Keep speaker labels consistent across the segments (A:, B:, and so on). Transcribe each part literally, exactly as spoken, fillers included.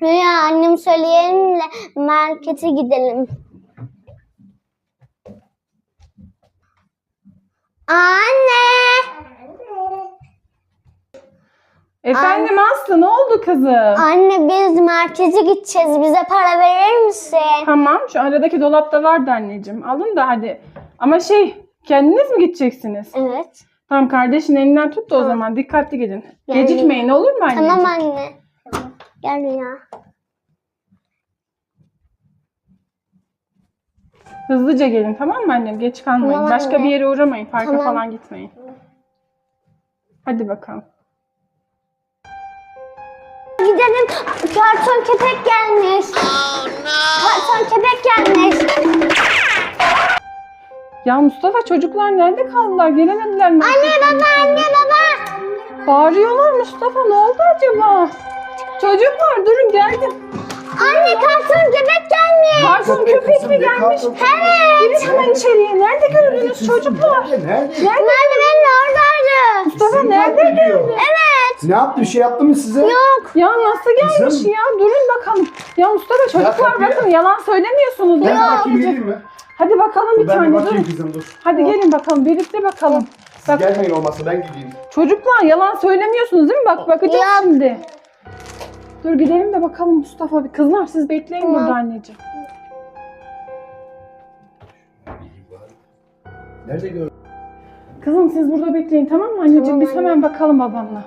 A: Rüya annem söyleyelim de markete gidelim. Anne!
B: Efendim Aslı, ne oldu kızım?
A: Anne biz markete gideceğiz. Bize para verir misin?
B: Tamam, şu aradaki dolapta vardı anneciğim. Alın da hadi. Ama şey, kendiniz mi gideceksiniz?
A: Evet.
B: Tamam, kardeşin elinden tut da o
A: Tamam.
B: zaman dikkatli gidin.
A: Yani-
B: Gecikmeyin, olur mu anneciğim?
A: Tamam anne. Gel Rüya.
B: Hızlıca gelin, tamam mı annem? Geç kalmayın.
A: Tamam
B: Başka
A: anne.
B: bir yere uğramayın, parka
A: Tamam.
B: falan gitmeyin. Hadi bakalım.
A: Gidelim. Karton köpek gelmiş. Karton köpek gelmiş.
B: Ya Mustafa, çocuklar nerede kaldılar? Gelemediler mi?
A: Anne baba anne baba.
B: Bağırıyorlar Mustafa, ne oldu acaba? Çocuklar durun, geldim.
A: Anne karton köpek gelmiş.
B: Karton köpek mi gelmiş?
A: Evet.
B: Girin hemen içeriye. Nerede gördünüz çocuklar?
C: Nerede?
A: Merdivenin oradaydı.
B: Mustafa nerede gördün?
A: Evet.
C: Ne yaptı? Bir şey yaptı mı size?
A: Yok.
B: Ya nasıl gelmiş
C: Kızım.
B: ya? Durun bakalım. Ya Mustafa, çocuklar
C: kapıya-
B: bakın, yalan söylemiyorsunuz.
C: Ben
B: Ya.
C: bakayım geleyim mi?
B: Hadi bakalım bir
C: Ben
B: tane
C: bir bakayım
B: durun.
C: kızım dur.
B: Hadi gelin bakalım, birlikte bakalım.
C: Siz
B: Bak,
C: gelmeyin olmazsa ben gideyim.
B: çocuklar yalan söylemiyorsunuz değil mi? Bak bakacağız
A: Yok.
B: şimdi. Dur gidelim de bakalım Mustafa. Kızlar siz bekleyin
A: Tamam.
B: burada anneciğim.
C: Nerede gördün?
B: Kızım siz burada bekleyin, tamam mı anneciğim?
A: Tamam
B: Biz
A: anne.
B: hemen bakalım babamla.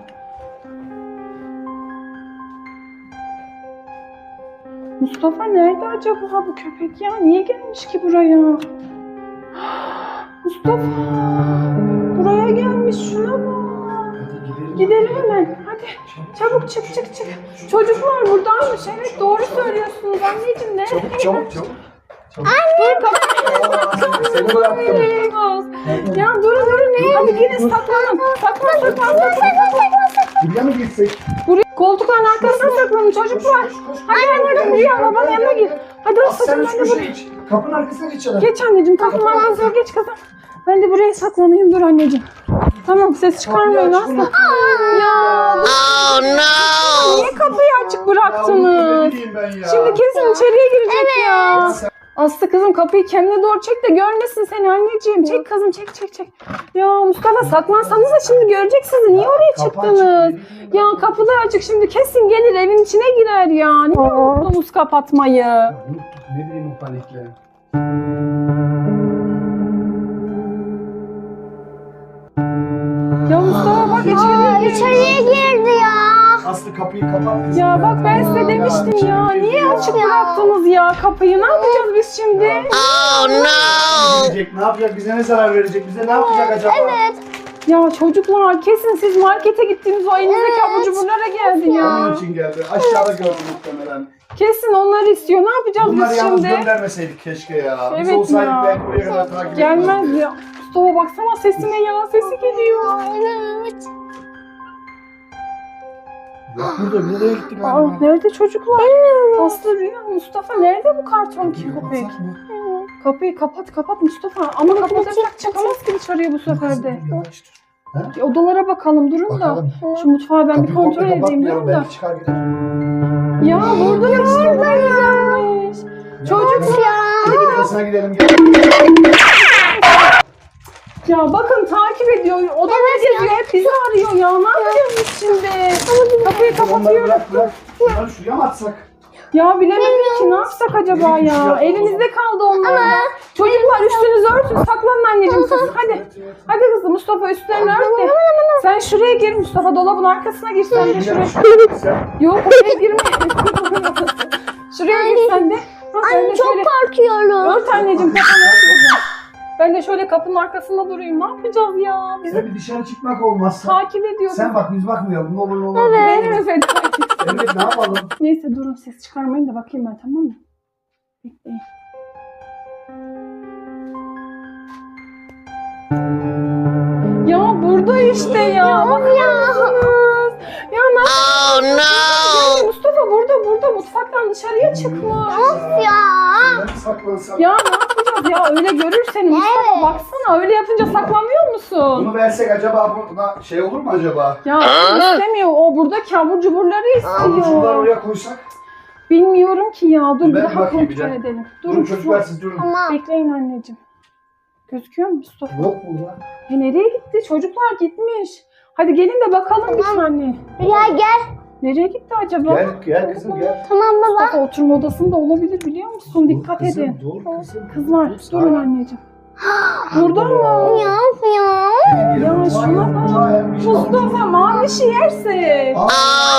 B: Mustafa nerede acaba bu köpek ya? Niye gelmiş ki buraya? Mustafa buraya gelmiş, şuna bak.
C: Hadi gidelim.
B: Gidelim hemen. Hadi çabuk çık çık çık. Çocuklar buradaymış. Evet doğru söylüyorsunuz anneciğim. Ne?
C: Çabuk çabuk çabuk.
B: Anne
C: Seni bıraktım.
B: Ya durun durun. Hadi gidin saklanın. Saklan saklan saklan.
C: Buraya mı gitsek?
B: Buraya koltukların arkasına saklanın çocuklar. Hadi anneciğim Rüya babanın yanına gir. Hadi
C: As sen
B: aslanım
C: şu
B: ben de
C: köşeye
B: buraya.
C: geç. Kapının arkasına geç adam.
B: Geç anneciğim kapının arkasına geç kızım. Ben de buraya saklanayım, dur anneciğim. Tamam ses çıkarmayın
C: Kapıyı aç,
B: asla.
C: bunu-
B: Ya
D: Oh no!
B: niye kapıyı açık
C: Ya bunu
B: bıraktınız?
C: ne bileyim ben ya.
B: Şimdi kesin içeriye girecek ya.
C: Sen-
B: Aslı kızım kapıyı kendine doğru çek de görmesin seni anneciğim. Çek kızım çek çek çek. Ya Mustafa saklansanız da şimdi görecek sizi. Niye oraya
C: Kapı
B: çıktınız?
C: açık, ne
B: Ya kapılar açık, şimdi kesin gelir evin içine girer ya. Niye unuttunuz kapatmayı?
C: Ya unuttuk, ne bileyim o panikle.
B: Ya Mustafa bak içeriye
A: Aa,
B: girmiş.
A: içeriye girdi ya.
C: Aslı kapıyı kapat kızım.
B: Ya bak ben size demiştim ya. Niye açık bıraktınız ya kapıyı? Ne yapacağız biz şimdi?
D: Oh no!
C: Verecek, ne yapacak? Bize ne zarar verecek? Bize ne yapacak acaba?
A: Evet.
B: Ya çocuklar kesin siz markete gittiğiniz o elinizdeki abur cuburlara geldi
C: Onun
B: ya.
C: için geldi. Aşağıda gördüm muhtemelen.
B: Kesin onları istiyor. Ne yapacağız
C: Bunları
B: biz
C: yalnız
B: şimdi?
C: göndermeseydik keşke ya. Biz
B: Evet
C: olsaydık
B: ya.
C: belki buraya kadar takip
B: Gelmez
C: etmezdi.
B: ya. Mustafa baksana sesine ya. Sesi geliyor.
A: Evet.
C: Yok burada, nereye gitti
B: Aa,
C: galiba?
B: nerede çocuklar? Aslı Rüya, Mustafa nerede bu karton
C: Kapıyı
B: köpek?
C: kapatsak mı?
B: Kapıyı kapat kapat Mustafa. Ama kapatırsak çıkamaz ki dışarıya bu sefer de.
C: Yavaş dur. Ha?
B: Odalara bakalım durun da.
C: Bakalım.
B: Şu mutfağı ben bir
C: Kapıyı
B: kontrol
C: komple
B: edeyim
C: kapatmayalım,
B: durun da.
C: belki çıkar gider.
B: Ya burada işte buradaymış. Çocuk ya.
C: Hadi arkasına gidelim. Gel.
B: Ya bakın takip ediyor. Odada geziyor. Hep bizi arıyor ya. Ne yapacağız biz şimdi? Kapıyı
C: Onları
B: kapatıyoruz.
C: bırak bırak. Şunları şuraya mı atsak?
B: Ya bilemedim ki ne yapsak acaba
C: Neymiş
B: ya?
C: ya?
B: Elimizde kaldı onlar. Çocuklar üstünüzü örtün. Saklanın anneciğim siz. Hadi.
C: Evet, evet.
B: Hadi kızım Mustafa üstlerini ört de. Sen şuraya gir Mustafa. Dolabın arkasına gir sen de şuraya.
C: Sen-
B: Yok oraya girme. Şuraya gir sen de. Ha, sen de
A: Anne çok
B: şöyle.
A: korkuyorum.
B: Ört anneciğim kafanı ört kızım. Ben de şöyle kapının arkasında durayım. Ne yapacağız ya? Bizi
C: Sen bir dışarı çıkmak olmazsa.
B: takip ediyor.
C: Sen bak biz bakmayalım. Ne olur ne olur.
B: Benim efendim.
C: Evet ne yapalım?
B: Neyse durun ses çıkarmayın da bakayım ben, tamam mı? Bekleyin. Ya burada işte ya. Bakar mısınız? Ya ne
D: Oh no!
B: yapıyorsun? Mustafa burada burada mutfaktan dışarıya çıkmış.
A: Ya.
C: Ben saklansam.
B: Ya ne yapacağız ya, öyle görür seni Mustafa,
A: Evet.
B: baksana öyle yapınca saklanmıyor musun?
C: Bunu versek acaba buna şey olur mu acaba?
B: Ya istemiyor, o buradaki abur cuburları
C: Avuçlar
B: istiyor.
C: oraya koysak.
B: Bilmiyorum ki ya. Dur
C: Ben
B: bir
C: bir
B: daha
C: bakayım bir
B: kontrol
C: de.
B: edelim.
C: Durun çocuklar siz durun.
A: Tamam.
B: Bekleyin anneciğim. Gözüküyor mu Mustafa?
C: Yok burada.
B: E nereye gitti? Çocuklar gitmiş. Hadi gelin de bakalım bir tane.
A: Rüya gel.
B: Nereye gitti acaba?
C: Gel gel kızım gel.
A: Tamam baba.
B: Mustafa oturma odasında olabilir biliyor musun? Dikkat
C: Dur kızım,
B: edin.
C: Dur kızım.
B: Kızlar
C: Dur,
B: durun
C: sakin.
B: anneciğim. Burada mı?
A: Ya ya.
C: Gelin,
B: Ya
C: gelin.
B: şuna bak. Mustafa mavişi yerse.
C: Aa,
D: Oh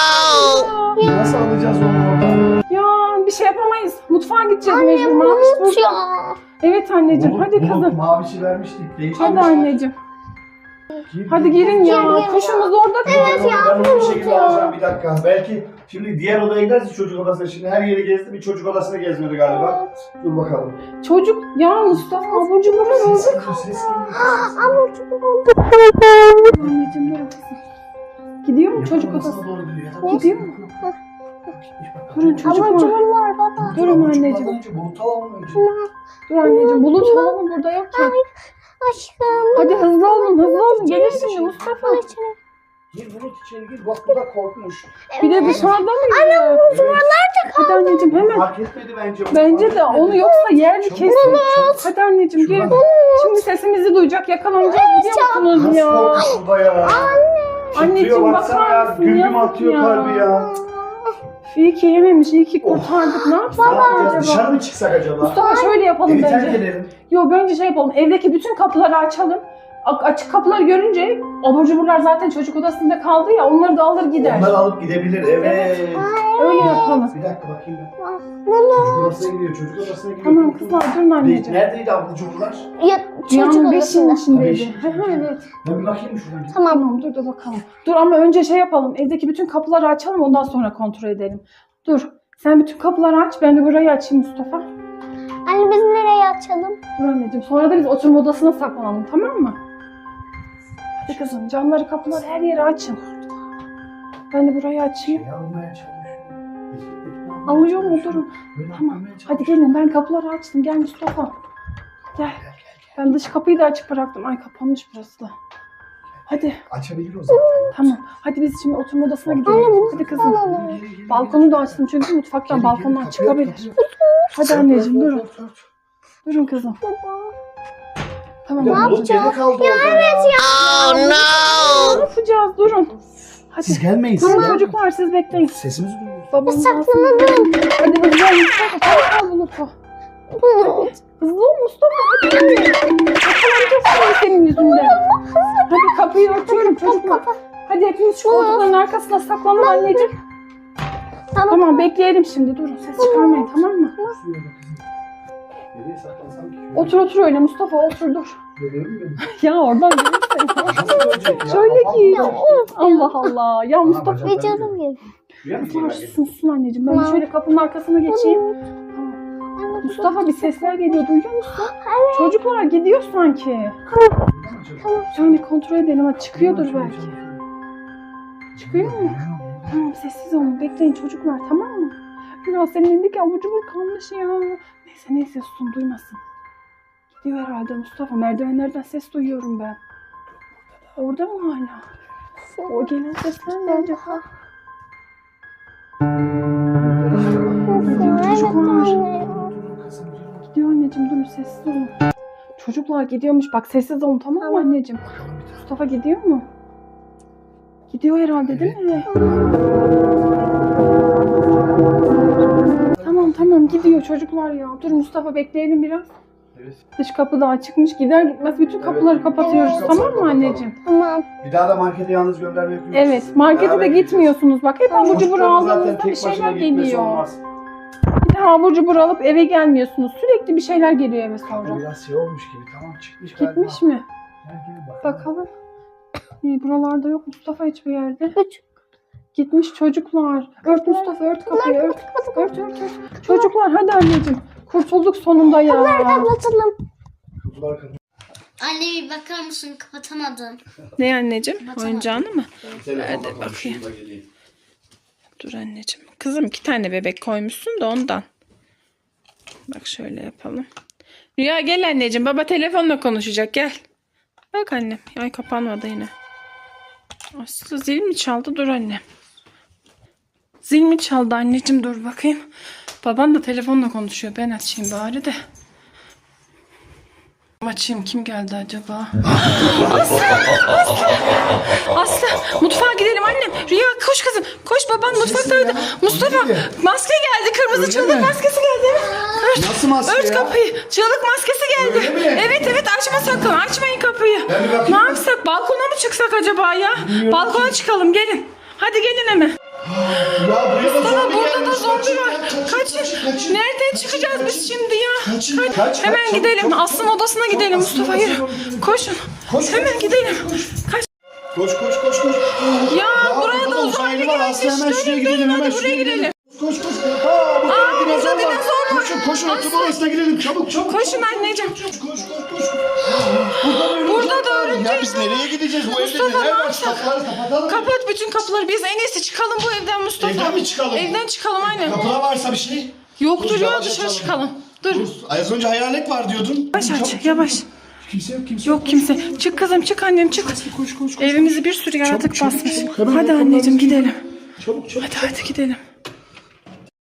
D: no!
C: Nasıl alacağız onu oradan?
B: Ya bir şey yapamayız. Mutfağa gideceğiz
A: Anne
B: mecbur. Maviş
A: bulut
B: burada.
A: ya.
B: Evet anneciğim
C: Bulut,
B: hadi
C: bulut,
B: kızım.
C: Mavişi vermiştik. Değiştirmiş.
B: Hadi anneciğim.
C: Gir,
B: Hadi
C: gir,
B: girin
C: gir.
B: ya.
A: Gir, gir
B: Kuşumuz orada.
C: Evet
A: ya,
C: Ben onu bir
A: bulut
C: şekilde
A: ya.
C: alacağım bir dakika. Belki şimdi diğer odaya giderse çocuk odasına. Şimdi her yeri gezdi. Bir çocuk odasına gezmedi galiba. Dur bakalım.
B: Çocuk ya Mustafa abur cuburlar
C: Ses
B: orada.
C: geliyor, ses geliyor.
A: Ama çok oldu.
B: Anneciğim dur kızım. Gidiyor mu çocuk
C: Yatak
B: odası?
C: odasına doğru gidiyor. Yatak
B: Gidiyor
C: odasına.
B: mu?
C: Gitmiş bak.
B: Durun çocuk
A: Ama
B: var.
A: cuburlar baba.
B: Durun
C: Çocuk
B: anneciğim.
C: önce Bulut alalım önce.
B: Dur anneciğim bulut falan burada yok ki.
A: Aşkım.
B: Hadi hızlı olun hızlı olun. Gelir şimdi Mustafa.
C: Gir Bulut içeri gir. Bak bu da korkmuş.
B: Bir de dışarıda mı yiyor?
C: Evet.
B: Hadi anneciğim hemen.
C: Fark etmedi bence.
B: Bence de
C: Fark
B: onu
C: etmedi.
B: yoksa yer
C: Çabuk,
B: kesin.
C: çabuk.
B: Hadi anneciğim gelin.
C: Şuradan.
B: Şimdi sesimizi duyacak yakalanacağız biliyor musunuz
C: Nasıl
B: ya?
C: korkmuş burada ya?
B: Anneciğim
C: Titriyor,
B: bakar
C: baksana ya.
B: mısın?
C: Güm güm
B: Yazık
C: atıyor
B: ya.
C: kalbi ya.
B: İyi ki yememiş, iyi ki kurtardık. Ne yapsak
C: Ne yapacağız?
B: acaba?
C: Dışarı mı çıksak acaba?
B: Mustafa şöyle yapalım
C: Evi terk
B: bence.
C: edelim.
B: Yo bence şey yapalım. Evdeki bütün kapıları açalım. A- açık kapıları görünce abur cuburlar zaten çocuk odasında kaldı ya onları da alır gider.
C: Onları alıp gidebilir. Evet.
B: Öyle yapalım.
C: Bir dakika bakayım ben. Çocuk odasına gidiyor. Çocuk odasına gidiyor.
B: Tamam kızlar durun
C: Ne-
B: anneciğim.
C: Neredeydi abur cuburlar?
A: Ya çocuk
B: Dünyanın beşinin
A: odasında.
B: içindeydi.
C: Beşin
B: Hı hı, evet.
C: Ben bir bakayım şuradan.
A: Tamam.
B: Tamam dur da bakalım. Dur ama önce şey yapalım. Evdeki bütün kapıları açalım ondan sonra kontrol edelim. Dur. Sen bütün kapıları aç. Ben de burayı açayım Mustafa.
A: Anne biz nereye açalım?
B: Dur anneciğim. Sonra da biz oturma odasına saklanalım tamam mı? Hadi kızım camları kapıları her yeri açın. Ben de burayı açayım.
C: Şey almaya çalışıyor.
B: Alıyor mu? Durun.
C: Böyle
B: Tamam.
C: almaya çalışıyor.
B: Hadi gelin ben kapıları açtım. Gel Mustafa. Gel. Ben dış kapıyı da açık bıraktım. Ay kapanmış burası da. Hadi.
C: Açabilir o zaten.
B: Tamam. Hadi biz şimdi oturma odasına gidelim. Hadi kızım.
C: Gelin, gelin, gelin.
B: Balkonu da açtım çünkü mutfaktan
C: Gelin, gelin,
B: balkondan
C: kapıyı
B: çıkabilir.
C: aç, kapıyı aç.
B: Hadi anneciğim
C: Ört,
B: durun.
C: ört, ört, ört.
B: Durun kızım. Tamam.
C: Ya
B: Ne
C: Bulut gene kaldı orada ya.
D: Oh no!
B: yapacağız? Durun. Hadi.
C: Siz gelmeyin.
B: Durun
C: siz
B: çocuklar siz bekleyin.
C: Sesimizi duyuyoruz.
B: Babamız
A: Saklanalım.
B: Hadi hızlı ol Mustafa. Çabuk ol Bulut'u.
A: Bulut.
B: Hızlı ol Mustafa. Hadi. Yakalanacağız şimdi senin yüzünden. Hadi kapıyı örtüyorum çocuklar. Hadi hepimiz şu koltukların arkasına saklanalım anneciğim.
A: Tamam.
B: Tamam bekleyelim şimdi. Durun ses çıkarmayın tamam mı?
C: Suyu da kızım. Nereye saklansam ki?
B: Otur otur öyle Mustafa otur dur.
C: Görüyorum beni.
B: Ya oradan gelirsen.
C: Nasıl görecek ya?
B: Şöyle
C: Kafam
B: ki.
C: böyle.
B: Allah Allah. Ya Mustafa.
C: bacak-
A: Bir canım gibi.
C: Rüya mı
B: Kızlar
C: geliyor?
B: sussun anneciğim. Ben
A: Tamam.
B: şöyle kapının arkasına geçeyim. Tamam.
A: Anne,
B: Mustafa bir sesler geliyor duyuyor musun? Çocuklar gidiyor sanki.
C: Tamam.
B: Şöyle kontrol edelim. Ha, çıkıyordur belki. Çıkıyor mu? Tamam sessiz olun. Bekleyin çocuklar tamam mı? Biraz senin elindeki abur cubur kalmış ya. Neyse neyse susun duymasın. Gidiyor herhalde Mustafa. Merdivenlerden ses duyuyorum ben. Orada mı hala? O gelen sesler ne acaba? Gidiyor çocuklar. Gidiyor anneciğim dur sessiz olun. Çocuklar gidiyormuş bak sessiz olun tamam mı anneciğim? Mustafa gidiyor mu? Gidiyor herhalde değil mi? Tamam tamam gidiyor çocuklar ya. Dur Mustafa bekleyelim biraz.
C: Evet.
B: Dış kapı daha çıkmış gider gitmez bütün kapıları kapatıyoruz
A: Evet.
B: tamam mı anneciğim?
A: Tamam.
C: Bir daha da markete yalnız gönderme yapıyoruz.
B: Evet markete
C: Beraber
B: de
C: gideceğiz.
B: gitmiyorsunuz bak hep abur cubur
C: Çocukların zaten
B: aldığınızda
C: tek
B: bir
C: başına
B: şeyler
C: gitmesi
B: geliyor.
C: olmaz.
B: Bir de abur cubur alıp eve gelmiyorsunuz sürekli bir şeyler geliyor eve sonra.
C: Biraz şey olmuş gibi. Tamam çıkmış galiba.
B: Gitmiş mi?
C: Gel, gel bakalım.
B: Bakalım. İyi, buralarda yok Mustafa hiçbir yerde.
A: Üç.
B: Gitmiş çocuklar. Ört Mustafa ört kapıyı ört. Ört ört ört. Çocuklar hadi anneciğim. Kurtulduk sonunda ya.
A: Kapatalım.
C: Kutular kapalı.
E: Anne bir bakar mısın? Kapatamadım.
B: Ne anneciğim?
E: Baksana.
B: Oyuncağını mı?
C: Telefonla
B: Hadi
C: konuşayım
B: bakayım.
C: da geleyim.
B: Dur anneciğim. Kızım iki tane bebek koymuşsun da ondan. Bak şöyle yapalım. Rüya gel anneciğim. Baba telefonla konuşacak gel. Bak annem. Ay kapanmadı yine. Aslında zil mi çaldı? Dur annem. Zil mi çaldı anneciğim, dur bakayım. Baban da telefonla konuşuyor. Ben açayım bari de. Açayım, kim geldi acaba? Aslı! Aslı! Aslı! Mutfağa gidelim annem. Rüya koş kızım. Koş, baban mutfaktaydı. Mustafa maske geldi. Kırmızı
C: Öyle
B: çığlık
C: mi?
B: maskesi geldi. Ört,
C: Nasıl maske
B: ört
C: ya?
B: kapıyı. Çığlık maskesi geldi.
C: Öyle mi?
B: Evet evet, açma sakın. Açmayın kapıyı.
C: Ben bir bakayım.
B: Ne yapsak? Balkona mı çıksak acaba ya?
C: Bilmiyorum
B: Balkona
C: ki.
B: çıkalım, gelin. Hadi gelin hemen.
C: Ya buraya da
B: Mustafa
C: zombi
B: burada da
C: gelmiş.
B: zombi
C: Kaçın,
B: var.
C: kaçın,
B: Kaçın.
C: kaçın, kaçın.
B: Nereden
C: Kaçın,
B: çıkacağız
C: kaçın.
B: biz şimdi ya?
C: Kaçın,
B: Kaç.
C: kaç, kaç,
B: Hemen
C: çabuk,
B: gidelim.
C: çabuk.
B: Aslı'nın odasına gidelim
C: Aslı'nın
B: Mustafa,
C: odasına
B: yürü.
C: doğru gidelim.
B: Koşun.
C: Koş,
B: Hemen
C: koş,
B: gidelim.
C: koş, koş.
B: Kaç.
C: Koş koş koş koş.
B: Ya, buraya
C: burada
B: da uzaylı
C: uzaylı var. Aslı
B: gelmiş.
C: hemen
B: Dönün,
C: şuraya
B: dönün,
C: gidelim.
B: hadi
C: Hemen
B: buraya
C: şuraya
B: gidelim.
C: gidelim. Koş koş. Aa, burada
B: Aa,
C: bir dinozor
B: burada
C: var.
B: dinozor var.
C: Koşun koşun.
B: Aslı.
C: Oturma odasına gidelim. Çabuk çabuk.
B: Koşun
C: çabuk,
B: anneciğim.
C: Koş koş koş. koş. Burada, da
B: Burada
C: örümcek
B: da
C: var.
B: örümcek
C: Ya biz nereye gideceğiz? Bu evde
B: Mustafa,
C: neler
B: ne
C: var?
B: yapsak?
C: Kapıları kapatalım.
B: Kapat bütün kapıları. Biz en iyisi çıkalım bu evden Mustafa.
C: Evden mi çıkalım?
B: Evden çıkalım aynen.
C: Kapıda varsa bir şey.
B: Yoktur
C: Dur,
B: ya,
C: yavaş
B: dışarı
C: açalım.
B: çıkalım. Dur.
C: Dur. Az önce hayalet var diyordun.
B: Yavaş
C: Çabuk,
B: aç,
C: çabuk.
B: yavaş.
C: Kimse yok kimse
B: Yok kimse. Çık kızım, çık annem, çık.
C: Koş koş koş.
B: Evimizi bir sürü yaratık
C: çabuk,
B: basmış.
C: çabuk. Hemen
B: Hadi
C: yapmam
B: anneciğim
C: lazım.
B: gidelim.
C: Çabuk çabuk.
B: Hadi hadi gidelim.